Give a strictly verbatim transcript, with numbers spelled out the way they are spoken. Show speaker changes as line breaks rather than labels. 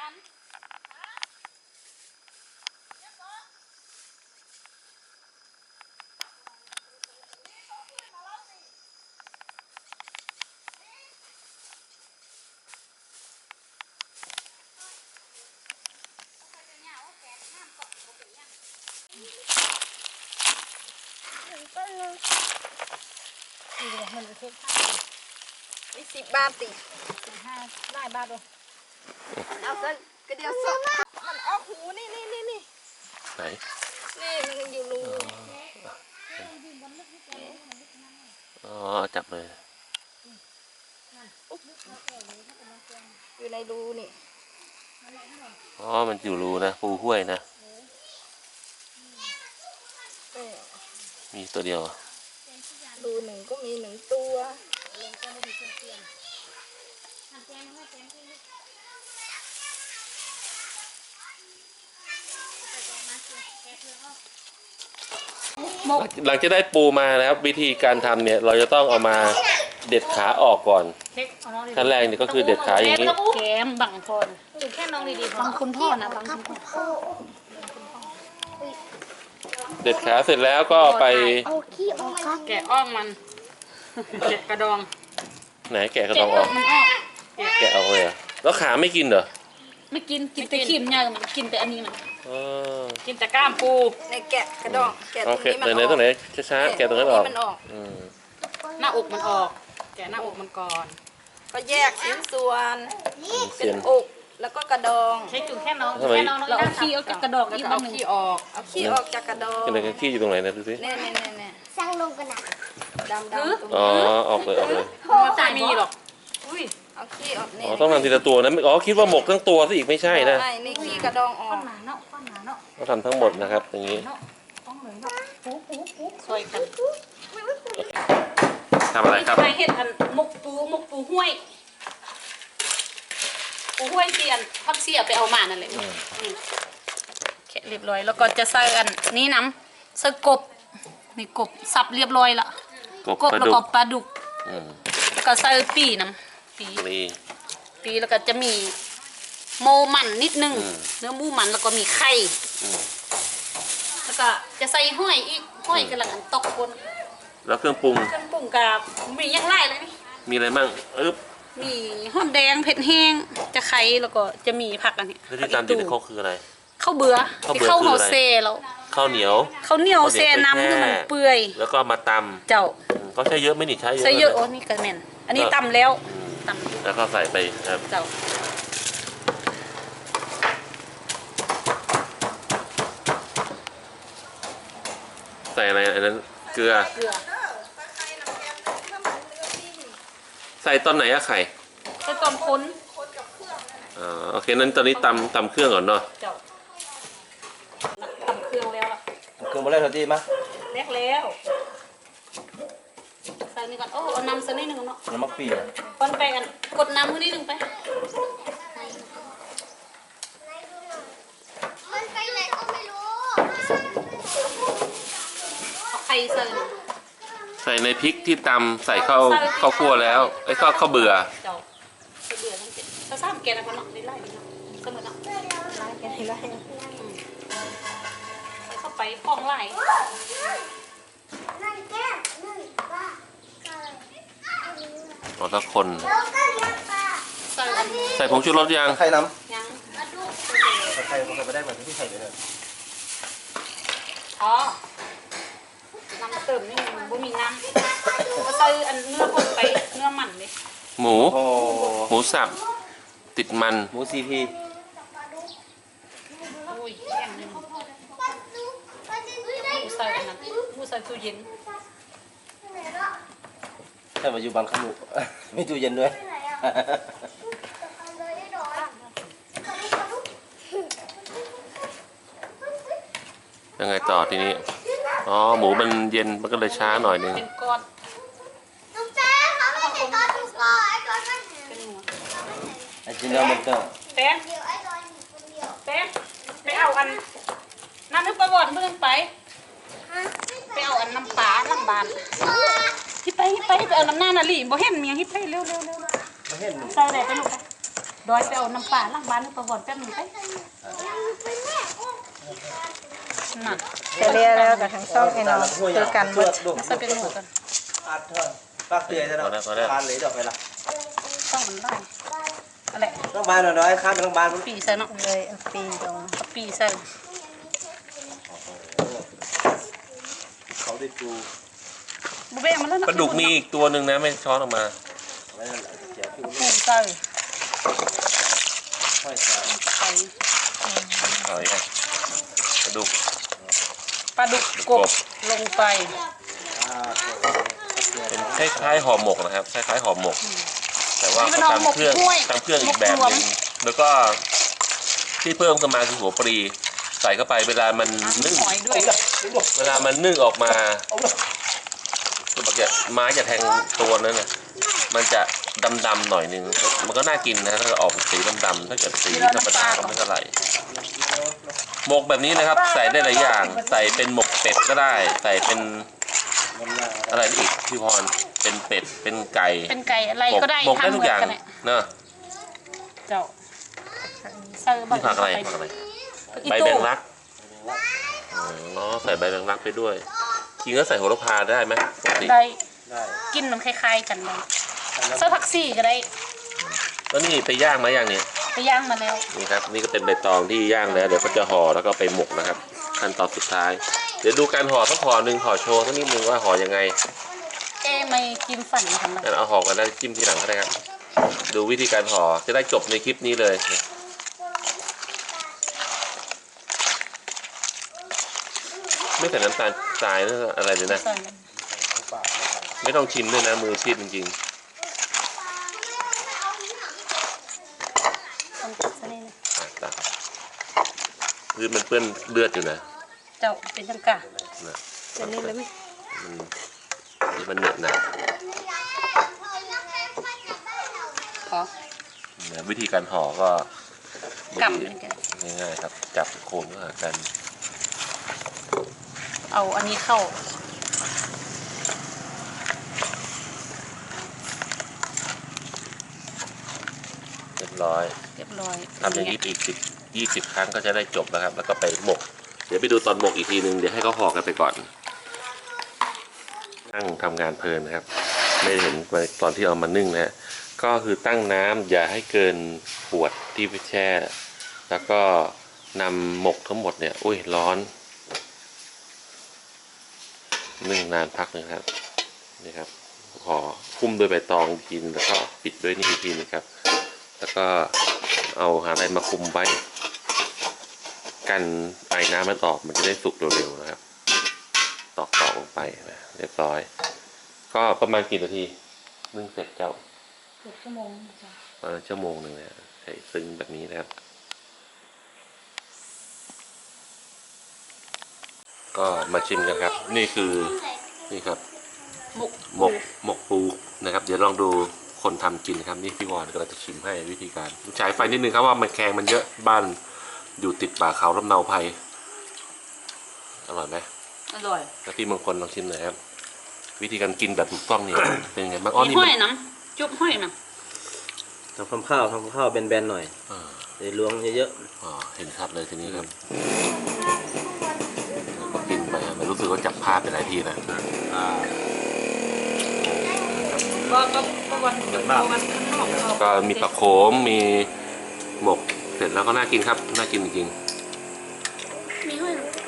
กัน
ก็นึงนี่เลยมันจะเช็คผ้าวิสิบบาทติห้าได้บาทดูเอาก็กระเดียวสดมันออกหูนี่นี่นี่นี่
ไหน
นี่มันอยู่รู
อ๋อจับเลย
อยู่ในรูนี่
อ๋อมันอยู่รูนะปูห้วยนะมีตัวเดียว
รูหนึ่งก็มีหนึ่งตัว
หลังจากได้ปูมานะครับวิธีการทำเนี่ยเราจะต้องเอามาเด็ดขาออกก่อนขั้นแรกเนี่ยก็คือเด็ดขาอย่างนี้
แกมบังพอนจุดแค่น้องดีๆบังคุณพ่อนะบังคุณพ่อ
เด็ดขาเสร็จแล้วก็ไป
แกะอ้อมมันแกะกระดอง
ไหนแกะกระดองออกแกะออกเลยเหรอแล้วขาไม่กินเหรอ
ไม่กินกินแต่ขีมเนี่ยมันกินแต่อันนี้มันกินแต่ก้ามปู
ในแกะกระดองแกะตรงนี้มันออก
ไหนตรงไหนช้าๆแกะตรงนั้นออก
หน้าอกมันออกแกะหน้าอกมันก่อน
ก็แยกชิ้นส่วนเป็นอกแล้วก็กระดอง
ใช้จุ่มแค่น้องแค่น้องเราเอาขี้เอากระดอง
เอาขี้ออกเอาขี้ออกจากกระดอง
อะไรกันขี้อยู่ตรงไหนนะดูสิ
เนี่ยเนี่ยเนี่ยสร้างลงกันนะดำดำ
อ๋อออกเลยออกเลย
ไม่มีหรอกอุ้ย
เอาขี้ออกเนี่ย
อ๋อต้องทำทีละตัวนะอ๋อคิดว่าหมกทั้งตัวซะอีกไม่ใช่นะ
ใช่นี่ขี้กระดองออก
ต้องทำทั้งหมดนะครับอย่างนี้
ช่วยกัน
ทำอะไรครับ
เห็ดอันหมกปูหมกปูห้วยปูห้วยเสียนพักเสียไปเอามานั่นเลยแค่เรียบร้อยแล้วก็จะใส่อันนี้น้ำใส่กบนี่กบสับเรียบร้อยละกบแล้วก็ปลาดุกแล้วก็ใส่ปีน้ำปีปีแล้วก็จะมีโมมันนิดนึงเนื้อหมูมันแล้วก็มีไข่แล้วก็จะใส่ห้อยอีกห้อยกำลังตกคน
แล้วเครื่องปรุง
เครื่องปรุงกับมีอย่างไรเลยนี่
มีอะไรบ้างอึ๊บ
มีหอมแดงเผ็ดแห้งจะไข่แล้วก็จะมีผักอันนี้
ที่ตามติดเขาคืออะไร
ข้าวเบื่อที่ข้าวห่อเซ่แล้ว
ข้าวเหนียว
ข้าวเหนียวเซ่น้ำคือมันเปื่อย
แล้วก็มาตำ
เจ้า
เขาใช้เยอะไม่หนิใช้เยอะ
ใช้เยอะโอ้นี่กระเมนอันนี้ตำแล้วต
ำแล้วก็ใส่ไปครับ
เจ้า
ใส่อะไรอันนั้นเกลือใส่ตอนไหนอะไข่
ใส่ตอนค้น
อ๋อโอเคนั้นตอนนี้ตำตำเครื่องก่อนเนาะ
เจ้าตำเครื่องแล้วล่ะ
เครื่องมาแล้วทันทีมั้ย
แรกแล้วใส่นี่ก่อนโอ้เอาน้ำสักนิดนึงเนาะ
น้ำมักปี
คนไปกันกดน้ำมือนิดนึงไป
มันไปไหนก็ไม่รู้
เอาไข่ใส่
ใส่ในพริกที่ตำใส่ข้าวข้าวคั่วแล้วไอ้ข้าวข้าวเบื่อ
เจ้าข้าวเบื่อทั้งเจ็ดถ้าซ้ำแกนะคนเนาะไล่ๆเนาะเสมอเนาะไล่แกไล่เข้าไปพองไล่
อ๋อถ้าคนใส่ผงชูรสยัง
ไข่น้ำ
ยัง
ไข่ผมใส่ไปได้เหมือนที่ใส่เลยเนี่ย
อ๋อน้ำเติมนี่บ่มีน้ำก็ใส่อันเนื้อคนไปเนื้อมันเลย
หมูหมูสับติดมัน
หมูซีพี
อุ้ยแข็งนึงหมูใส่อันนั้นหมูใส่ตู้เย็น
ถ้ามาอยู่บ้านขมุไม่ตู้เย็นด้วย
ยังไงต่อทีนี้อ๋อหมูมันเย็นมันก็เลยช้าหน่อยนึง
เป็นก้อน
ลูกแจ๊เขาไม่เห็นก้อนถูกก้อนไอ้ก้อนมันเห็น
ไอ้จินเนอร์มันก็
แป๊ะแป๊ะไปเอาอันน้ำนึกประวัติเมื่อไปไปเอาอันน้ำปลาน้ำบานฮิปไปฮิปไปไปเอาน้ำหน้านาลีบ่เห็นเมียฮิปไปเร็วเร็วเร็วใส่ไหนไปลูกไปดอยไปเอาน้ำปลาล้างบ้านให้ประวัติแป๊บหนึงไปนั่น
จะเรียกแล้วกับทั้งช่องไอ้น้องคือกันหมด
ใส่เป็นหมูกัน
อัดเถอะปากเตือนจะดอกบานเลยดอกไปละ
ต้องมันได้อะไร
ต้องบานหน่อยข้ามไปต้องบาน
ปีใส่เนาะ
เลยเอาปีตรง
เอาปีใส่
เขาได้ดู
บุเบงมาแล้วนะ
ปลาดุกมีอีกตัวหนึ่งนะไม่ช้อนออกมา
ไม่นั่นแหละเจ้าพี่
ปูใส่
ค่อยใส่
ใส่
หอยครับปลาดุก
ปลาดุกกบลงไป
อ่า
เป็นคล้ายๆห่อหมกนะครับคล้ายๆห่อหมก แต่ว่าเขาตำเครื่องตำเครื่องอีกแบบหนึงแล้วก็ที่เพิ่มขึ้นมาคือหัวปลีใส่เข้าไปเวลามันนึ่ง
หอยด้วย
เวลามันนึ่งออกมาตัวบักจะไม้จะแทงตัวนั้นน่ะมันจะดำๆหน่อยนึงมันก็น่ากินนะถ้าออกสีดำๆถ้าเกิดสีธรรมดาก็ไม่เท่าไหร่หมกแบบนี้นะครับ ใส่ได้หลายอย่าง ใส่เป็นหมกเป็ดก็ได้ ใส่เป็นอะไรอีกพี่พรเป็นเป็ดเป็นไก่
เป็นไก่อะไรก็ได้
หมกได้ทุกอย่าง
ทำเหมืนน
เนอะ
เจ้าใส่
นี่ผักอะไรผักอะไรใบแมงลักอ๋อใส่ใบแมงลักไปด้วยจริงก็ใส่โหระพาได้ไหมปกติ
ได้
ได้
กินมันคล้ายๆกันเลยใส่ผักซี่ก็ได้
แล้วนี่ไปย่างมาอย่างนี้
ไปย่างมาแล้ว
นี่ครับนี่ก็เป็นใบตองที่ย่างแล้วเดี๋ยวก็จะห่อแล้วก็ไปหมกนะครับขั้นตอนสุดท้าย เดี๋ยวดูการห่อสักห่อหนึ่งห่อโชว์สักนิดนึงว่าห่อยังไง
เอ๊ะไม่กินฝันทำไม
งั้นเอาห่อกันได้จิ้มทีหลังก็ได้ครับดูวิธีการห่อจะได้จบในคลิปนี้เลยไม่ใส่น้ำตาลทรายนะอะไรเลยนะ
ใส่
ไม่ต้องชิมด้วยนะมือชีพจริง
ต้องตัดซะนี่นะ
ๆอ่ะตักคือมันเปื้อนเลือดอยู่นะ
เจ้าเป็นจังกะ
นะ
จะนี่เลยไหม
มันมันเหนอะหนะ
ขอ
นะวิธีการห่อก็
กำเป็นกัน
ง่ายๆครับ จับโคนก็หากัน
เอาอันนี้เข้า
เรียบร้อย
เรียบร้อย
ทำอย่างนี้อีกสิบยี่สิบครั้งก็จะได้จบแล้วครับ แล้วก็ไปหมก เดี๋ยวไปดูตอนหมกอีกทีนึงเดี๋ยวให้เขาห่อกันไปก่อนนั่งทำงานเพลินนะครับ ไม่ได้เห็นตอนที่เอามานึ่งนะฮะก็คือตั้งน้ำอย่าให้เกินขวดที่ไปแช่ แล้วก็นำหมกทั้งหมดเนี่ยอุ้ยร้อนนึ่งนานพักหนึงครับนี่ครับห่อคุ้มด้วยใบตองอีกทีนึงแล้วก็ปิดด้วยนี่อีกทีนึงครับ แล้วก็เอาหาอะไรมาคุมไว้กันไอน้ำมันออกมันจะได้สุกเร็วๆนะครับตอกตอกลงไปนะเรียบร้อย ก็ประมาณกี่นาทีนึ่งเสร็จเจ้า
เกือบชั่วโมงจ้ะ
ประมาณชั่วโมงหนึ่งนะใส่ซึ้งแบบนี้นะครับ ก็มาชิมกันครับ นี่คือนี่ครับ
หมก
หมกหมกปูนะครับ เดี๋ยวลองดูคนทำกินครับนี่พี่วอนก็เราจะชิมให้วิธีการฉายไฟนิดนึงครับว่ามันแข็งมันเยอะบ้านอยู่ติดป่าเขาลำเนาภัยอร่อยไหม
อร่อย
แล้วพี่มงคลลองชิมหน่อยครับ วิธีการกินแบบถูกต้องเนี่ย เป็นยังไงบ้างอ๋อ
มี
นี่
ห้
มั
อน ยน้ำจุ๊บห้อยน้
ทำข้าวทำข้าวแบนๆหน่อย
อ่า
เดี๋ยวล้วงเยอะ
อ๋อเห็นชัดเลยทีนี้ครับก็กินไปมันรู้สึกว่าจับภาพไปหลายทีนะ
ๆอ่า
ำก็ก็ก็วันเดี๋ยววันข้างนอกเอา
ก็มีปลาโขมมีหมกเสร็จแล้วก็น่ากินครับน่ากินจริง
มีห้อยน้ำ